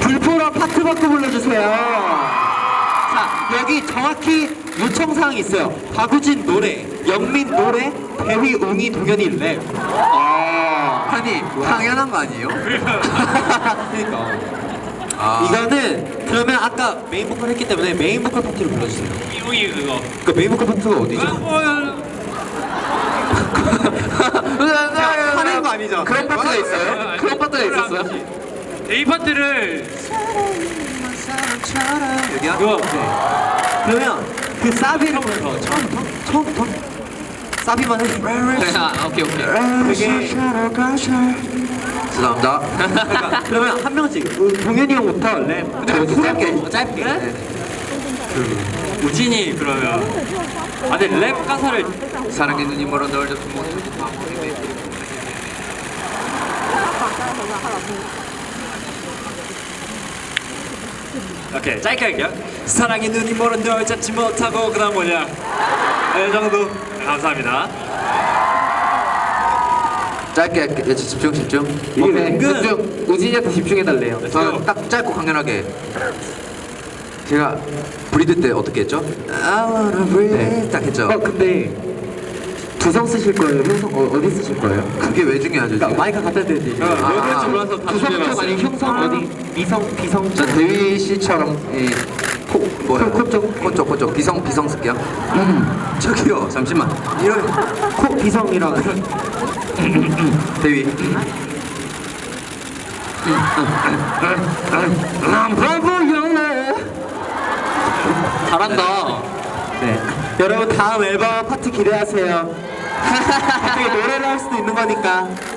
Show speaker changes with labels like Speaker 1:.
Speaker 1: 불포라 파트 바꿔 불러주세요. 자, 여기 정확히 요청사항이 있어요. 박우진 노래, 영민 노래, 대휘, 웅이, 동현이 랩.
Speaker 2: 아니 당연한 거 아니에요?
Speaker 1: 그러니까. 이거는 그러면 아까 메인 보컬 했기 때문에 메인 보컬 파트로 불러주세요.
Speaker 3: 이웅이 그거.
Speaker 1: 그 메인 보컬 파트가 어디죠? 화낸 거 아니죠?
Speaker 2: 그런 파트가 있어요? 그런 파트가 있었어요?
Speaker 3: 데이 파트를
Speaker 2: 여기요?
Speaker 3: 그거
Speaker 1: 그러면 그 사비를 처음부터 사비만 해.
Speaker 2: 오케이 오케이.
Speaker 1: 그게
Speaker 2: 죄송합니다.
Speaker 1: 그러면 한 명씩 동현이 형부터 랩.
Speaker 2: 짧게.
Speaker 1: 짧게.
Speaker 2: 네.
Speaker 3: 우진이 그러면 근데 랩 가사를
Speaker 2: 사랑의 눈이 멀어 널 잡지 못해.
Speaker 3: 오케이 짧게 할게요. 사랑의 눈이 멀어 널 잡지 못하고 그다음 뭐냐? 이 정도. 감사합니다.
Speaker 2: 짧게 할게. 집중.
Speaker 1: 이게
Speaker 2: 집중. 우진이한테 집중해달래요. 저는 딱 짧고 강렬하게. 제가 브리드 때 어떻게 했죠? I wanna breathe. 네, 딱 했죠.
Speaker 1: 근데 두성 쓰실 거예요? 형성 어디 쓰실 거예요?
Speaker 2: 그게 왜 중요하죠? 지금?
Speaker 1: 그러니까 마이크 갖다 드려야 되지.
Speaker 3: 왜 그런지 몰라서 다
Speaker 1: 두성 쪽
Speaker 3: 준비해봤어요.
Speaker 1: 아니면 형성 어디? 미성, 비성?
Speaker 2: 저 대휘 씨처럼 이
Speaker 1: 코 쪽?
Speaker 2: 코쪽 비성 쓸게요. 저기요 잠시만 이런
Speaker 1: 코 비성이랑
Speaker 2: 대휘 잘한다.
Speaker 1: 네. 여러분 다음 앨범 파트 기대하세요. 어떻게 노래를 할 수도 있는 거니까.